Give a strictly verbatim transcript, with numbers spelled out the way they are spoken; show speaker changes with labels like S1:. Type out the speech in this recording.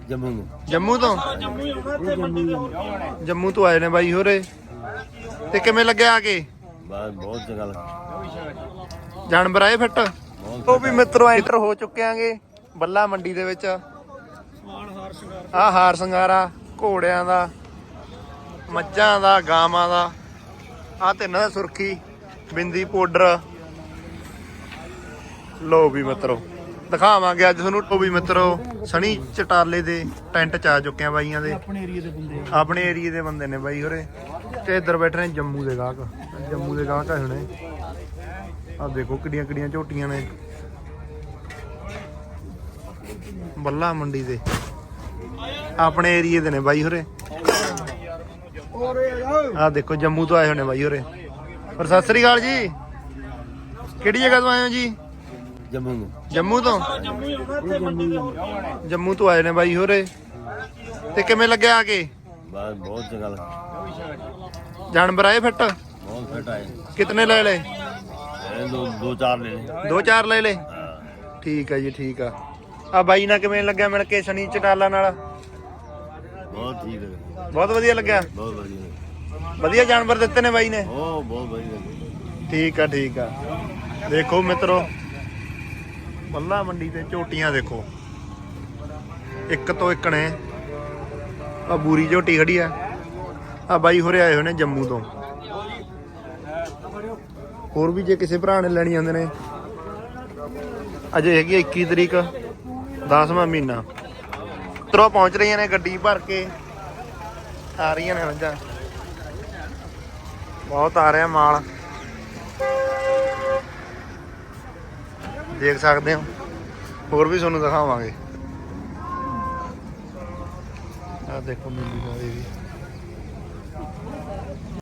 S1: ਜੰਮੂ
S2: ਜੰਮੂ ਤੋਂ ਜੰਮੂ ਤੋਂ ਆਏ ਨੇ ਬਾਈ ਹੋਰੇ। ਤੇ ਕਿਵੇਂ ਲੱਗਿਆ ਆ ਕੇ?
S1: ਬਸ ਬਹੁਤ ਚੰਗਾ ਲੱਗਾ।
S2: ਜਾਨਵਰ ਆਏ ਫਿੱਟ। ਉਹ ਵੀ ਮਿੱਤਰੋ ਐਂਟਰ ਹੋ ਚੁੱਕੇ ਆਂਗੇ ਬੱਲਾ ਮੰਡੀ ਦੇ ਵਿੱਚ। ਆਹ ਹਾਰ ਸ਼ਿੰਗਾਰਾ ਘੋੜਿਆਂ ਦਾ, ਮੱਝਾਂ ਦਾ, ਗਾਵਾਂ ਦਾ। ਆਹ ਤਿੰਨਾਂ ਦਾ ਸੁਰਖੀ ਬਿੰਦੀ ਪਾਊਡਰ। ਲੋ ਵੀ ਮਿੱਤਰੋ ਦਿਖਾਵਾਂਗੇ ਅੱਜ ਤੁਹਾਨੂੰ। ਉਹ ਵੀ ਮਿੱਤਰੋ ਸਣੀ ਚਟਾਲੇ ਦੇ ਟੈਂਟ ਚ ਆ ਚੁੱਕੇ ਆ ਬਾਈਆਂ ਦੇ। ਆਪਣੇ ਏਰੀਏ ਦੇ ਬੰਦੇ ਆਪਣੇ ਏਰੀਏ ਦੇ ਬੰਦੇ ਨੇ ਬਾਈ ਹੋਰੇ। ਤੇ ਇੱਧਰ ਬੈਠੇ ਨੇ ਜੰਮੂ ਦੇ ਗਾਹਕ। ਜੰਮੂ ਦੇ ਗਾਹਕ ਆ ਹੁਣੇ। ਆਹ ਦੇਖੋ ਕਿੱਡੀਆਂ ਕਿੱਡੀਆਂ ਝੋਟੀਆਂ ਨੇ ਬੱਲਾ ਮੰਡੀ ਦੇ। ਆਪਣੇ ਏਰੀਏ ਦੇ ਨੇ ਬਾਈ ਹੋਰੇ। ਆਹ ਦੇਖੋ ਜੰਮੂ ਤੋਂ ਆਏ ਹੋਣੇ ਬਾਈ ਹੋਰੇ। ਪਰ ਸਤਿ ਸ੍ਰੀ ਅਕਾਲ ਜੀ। ਕਿਹੜੀ ਜਗ੍ਹਾ ਤੋਂ ਆਏ ਹੋ ਜੀ?
S1: ਜੰਮੂ
S2: ਜੰਮੂ ਤੋਂ ਜੰਮੂ ਤੋਂ ਆਏ ਨੇ ਬਾਈ ਹੋਰੇ। ਤੇ ਕਿਵੇਂ ਲੱਗਿਆ ਆ ਕੇ?
S1: ਬਸ ਬਹੁਤ ਚੰਗਾ ਲੱਗਾ।
S2: ਜਾਨਵਰ ਆਏ ਫਿੱਟ।
S1: ਬਹੁਤ ਫਿੱਟ ਆਏ।
S2: ਕਿਤਨੇ ਲੈ ਲਏ?
S1: ਇਹ ਦੋ ਦੋ ਚਾਰ ਲੈ ਲੈ।
S2: ਦੋ ਚਾਰ ਲੈ ਲਏ। ਠੀਕ ਆ ਜੀ ਠੀਕ ਆ। ਆ ਬਾਈ ਨਾਲ ਕਿਵੇਂ ਲੱਗਿਆ ਮਿਲ ਕੇ ਸਣੀ ਚਟਾਲਾ ਨਾਲ?
S1: ਬਹੁਤ ਠੀਕ ਹੈ।
S2: ਬਹੁਤ ਵਧੀਆ ਲੱਗਿਆ।
S1: ਬਹੁਤ ਵਧੀਆ
S2: ਵਧੀਆ ਜਾਨਵਰ ਦਿੱਤੇ ਨੇ ਬਾਈ ਨੇ।
S1: ਉਹ ਬਹੁਤ ਵਧੀਆ।
S2: ਠੀਕ ਆ ਠੀਕ ਆ। ਦੇਖੋ ਮਿੱਤਰੋ ਬੱਲਾ ਮੰਡੀ ਤੇ ਝੋਟੀਆਂ ਦੇਖੋ ਇੱਕ ਤੋਂ ਇੱਕ ਨੇ। ਆ ਬੂਰੀ ਝੋਟੀ ਖੜੀ ਆ। ਆ ਬਾਈ ਹੋਰੇ ਆਏ ਹੋਏ ਨੇ ਜੰਮੂ ਤੋਂ। ਹੋਰ ਵੀ ਜੇ ਕਿਸੇ ਭਰਾ ਨੇ ਲੈਣੀ ਆਉਂਦੇ ਨੇ। ਅਜੇ ਹੈਗੀ ਇੱਕੀ ਤਰੀਕ ਦਸਵਾਂ ਮਹੀਨਾ। ਤਰੋ ਪਹੁੰਚ ਰਹੀਆਂ ਨੇ ਗੱਡੀ ਭਰ ਕੇ ਆ ਰਹੀਆਂ ਨੇ ਮੱਝਾਂ। ਬਹੁਤ ਆ ਰਿਹਾ ਮਾਲ ਦੇਖ ਸਕਦੇ ਹੋ। ਹੋਰ ਵੀ ਤੁਹਾਨੂੰ ਦਿਖਾਵਾਂਗੇ। ਆਹ ਦੇਖੋ ਮਿਲੀ ਵੀ